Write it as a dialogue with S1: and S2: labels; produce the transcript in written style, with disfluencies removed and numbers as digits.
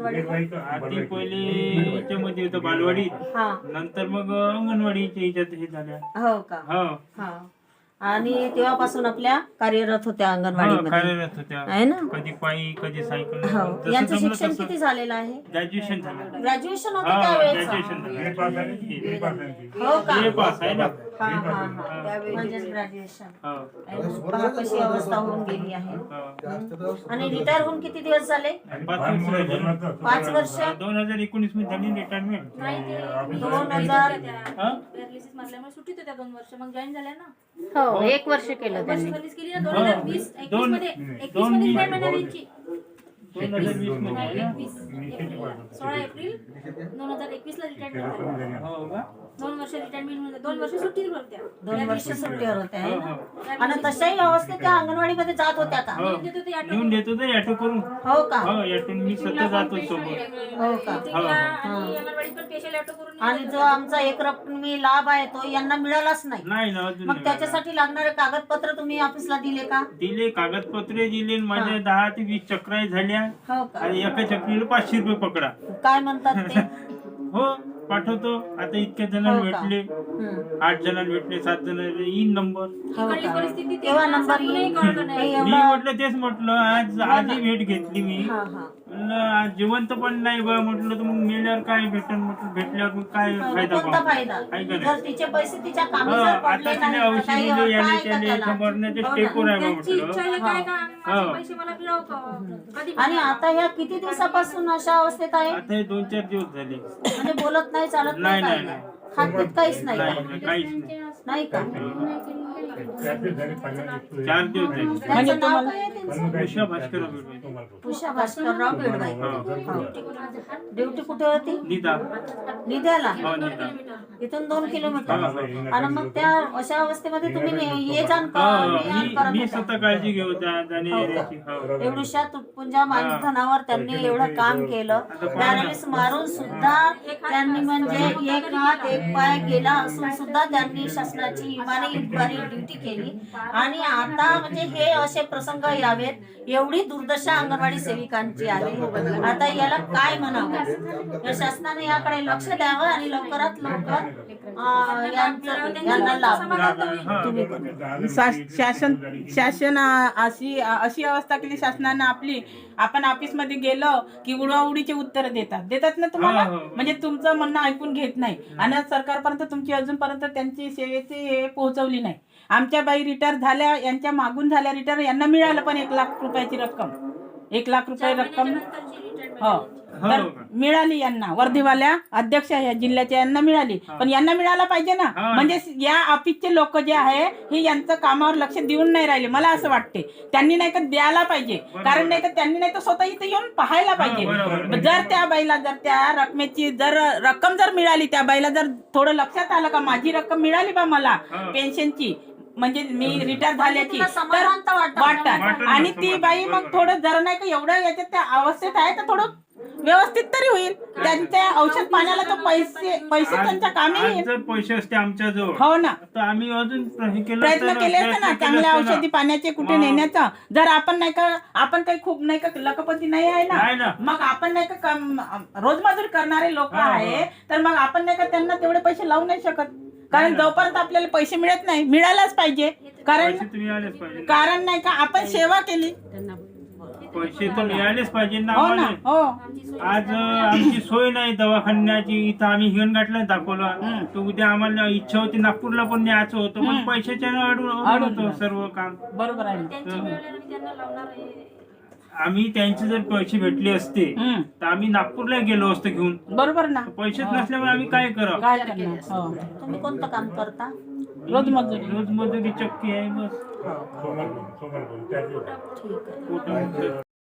S1: अंगणवाडी?
S2: आधी पहिले याच्यामध्ये होतं बालवाडीत,
S1: हा.
S2: नंतर मग अंगणवाडीच्या याच्यात हे झाल्या.
S1: हो का?
S2: हो
S1: हा. आणि तेव्हापासून आपल्या कार्यरत होत्या
S2: हो,
S1: अंगणवाडीमध्ये,
S2: कार्यरत होत्या.
S1: आहे ना?
S2: कधी पायी कधी सायकल,
S1: हो.
S2: जसं
S1: यांचं
S2: जमलं
S1: शिक्षण
S2: तसं.
S1: किती झालेलं आहे?
S2: ग्रॅज्युएशन झालं.
S1: ग्रॅज्युएशन होतं
S2: हा,
S1: त्यावेळेस?
S2: ग्रॅज्युएशन झालं.
S1: हो का?
S2: BA पास आहे ना.
S1: हा हा हा. म्हणजेच ग्रॅज्युएशन.
S2: हो.
S1: पहा कशी अवस्था होऊन गेली आहे.
S2: हो.
S1: आणि रिटायर होऊन किती दिवस झाले?
S2: 5 वर्ष झाली.
S1: 5 वर्ष.
S2: 2019 मध्ये झाली रिटायरमेंट.
S1: 2000.
S3: पॅरालिसिस मारल्यामुळे सुट्टीत होत्या 2 वर्ष, मग जॉईन झाल्या ना.
S1: हो, 1 वर्ष केलं त्यांनी.
S3: सर्व्हिस केली ना 2020 21 मध्ये. 21 मध्ये रिटायरमेंट आली यांची.
S2: 2020 मध्ये.
S3: 16 एप्रिल 2021 ला रिटायरमेंट झाली.
S2: हो का?
S3: 2 वर्ष रिटायरमेंट, 2 वर्ष सुट्टीवर होत्या.
S1: 2 वर्ष सुट्टीवर होत्या, आहे ना?
S2: हो.
S1: आणि तशाही अवस्थेत त्या अंगणवाडीमध्ये जात होत्या का?
S2: हो. लिहून देत होते ऑटो करून.
S1: हो का?
S2: हो, ऑटोन मी स्वतः जातो सोबत.
S1: हो का?
S3: आणि अंगणवाडीत पण स्पेशल ऑटो करून.
S1: आणि जो आमचा एक रकमी लाभ आहे तो यांना मिळालाच नाही.
S2: नाही ना, अजून
S1: मग
S2: नाही.
S1: त्याच्यासाठी लागणारे कागदपत्र तुम्ही ऑफिसला दिले का?
S2: दिले, कागदपत्रे दिले. माझ्या 10 ते 20 चक्राई झाल्या.
S1: हो का?
S2: आणि एका चक्रीला 500 रुपये पकडा.
S1: काय म्हणतात ते?
S2: हो, पाठवतो. आता इतक्या जणांना
S1: हो का?
S2: भेटले, 8 जणांना भेटले, 7 जणांना येईन नंबर.
S1: हो
S3: इकडली
S1: का?
S3: परिस्थिती
S1: तेव्हा नंबर येईल. हे
S2: मी
S1: एवढा.
S2: म्हटलं तेच म्हटलं, आजही भेट घेतली मी.
S1: हा हा.
S2: म्हणलं, आज जिवंत पण नाही बा म्हटलं, तर मग मेल्यावर काय भेटन म्हटलं, भेटल्यावर मग काय फायदा
S1: कोणता
S2: बा?
S1: फायदा?
S2: आहे का
S1: जर
S2: नाही?
S1: तिचे पैसे तिच्या कामी
S2: हो,
S1: जर
S2: आता
S1: पडले
S2: तिने
S1: नाही तर
S2: औषध
S1: काही
S2: दिले, याने
S1: काय का
S2: त्याने
S1: त्याला?
S2: मरण्याच्या
S1: हो ना.
S2: स्टेपवर आहे बा
S3: त्यांची इच्छा
S2: म्हटलं.
S3: आहे काय का माझे
S2: हो.
S3: पैसे मला मिळव का? कधी
S1: आणि आता ह्या किती दिवसापासून अशा अवस्थेत आहे?
S2: आता हे 2-4 दिवस झाले.
S1: म्हणजे बोलत नाही, चालत
S2: नाही,
S1: नाही,
S2: नाही,
S1: काय
S2: नाही.
S1: खात काहीच नाही
S2: नाही,
S1: का?
S2: नाही, काहीच नाही.
S1: नाही का?
S2: 4 दिवस झाले.
S1: त्यांचं नाव काय आहे त्यांचं?
S2: उषा भास्कर भेटले.
S1: उषा भास्करराव बेडवाई. ड्युटी कुठे होती?
S2: निदा.
S1: निध्याला.
S2: हो, निदा.
S1: इथून 2 किलोमीटर. आणि मग त्या अशा अवस्थेमध्ये तुम्ही ये जाण
S2: हो,
S1: करत
S2: मी
S1: होता?
S2: स्वतः काळजी घेऊ जाणे येण्याची. हो.
S1: एवढ्या तुटपुंजा मानधनावर त्यांनी एवढं काम केलं. पॅरालिस मारून सुद्धा त्यांनी म्हणजे एक हात एक पाय गेला असून सुद्धा त्यांनी शासनाची इमानी ड्युटी केली. आणि आता म्हणजे हे असे प्रसंग यावेत, एवढी दुर्दशा अंगणवाडी सेविकांची आहे. आता याला काय म्हणावं? या शासनाने याकडे लक्ष द्यावं आणि लवकरात लवकर यांना लाभ. तुम्ही पण.
S4: शासन अशी अवस्था केली शासनानं आपली. आपण ऑफिस मध्ये गेलो की उडवाउडीचे उत्तर देतात ना तुम्हाला.
S2: हो, हो.
S4: म्हणजे तुमचं म्हणणं ऐकून घेत नाही आणि सरकारपर्यंत तुमची अजूनपर्यंत त्यांची सेवेची हे पोहोचवली नाही. आमच्या बाई रिटायर झाल्या, यांच्या मागून झाल्या रिटायर, यांना मिळालं पण 1 लाख रुपयाची रक्कम. 1 लाख रुपये रक्कम हो तर मिळाली यांना. वर्धेवाल्या अध्यक्ष या जिल्ह्याच्या यांना मिळाली, पण यांना मिळायला पाहिजे ना. म्हणजे या ऑफिसचे लोक जे आहे हे यांचं कामावर लक्ष देऊन नाही राहिले. मला असं वाटते त्यांनी नाही का द्यायला पाहिजे. कारण नाही तर त्यांनी नाही तर स्वतः इथे येऊन पाहायला पाहिजे. जर त्या बाईला जर त्या रकमेची जर रक्कम जर मिळाली, त्या बाईला जर थोडं लक्षात आलं का माझी रक्कम मिळाली बा मला पेन्शनची, म्हणजे मी रिटायर झाल्याची, तर वाटतात. आणि ती बाई मग थोडं जरा नाही का एवढं याच्यात त्या अवस्थेत आहे तर थोडं व्यवस्थित तरी होईल. त्यांच्या औषध पाण्याला तर पैसे त्यांच्या कामी येईल.
S2: जर पैसे असते आमच्या जवळ,
S4: हो ना,
S2: तर आम्ही अजून
S4: प्रयत्न केले असते ना चांगल्या औषधी पाण्याचे कुठे नेण्याचा. जर आपण नाही का, आपण काही खूप नाही का लखपती नाही आहे ना, मग आपण नाही का रोजमजुरी करणारे लोक आहे, तर मग आपण नाही का त्यांना तेवढे पैसे लावू नाही शकत. कारण जोपर्यंत आपल्याला पैसे मिळत नाही, मिळायलाच पाहिजे. कारण नाही का आपण सेवा केली,
S2: पैसे तर मिळालेच पाहिजे ना.
S4: हो ना. हो,
S2: आज आमची सोय नाही दवाखान्याची. इथं आम्ही हिंगणघाटला दाखवलं, तर उद्या आम्हाला इच्छा होती नागपूरला पण न्यायचं होतं, पण पैशाच्या अडून होतं सर्व काम.
S4: बरोबर आहे.
S2: आम्ही त्यांचे जर पैसे भेटले असते तर आम्ही नागपूरला गेलो असतो घेऊन.
S4: बरोबर ना.
S2: पैसेच नसल्यामुळे आम्ही काय करावं?
S4: काय करणार. हो,
S1: तुम्ही कोणतं काम करता?
S2: रोजमजुरी चक्की आहे बस.
S1: ठीक आहे.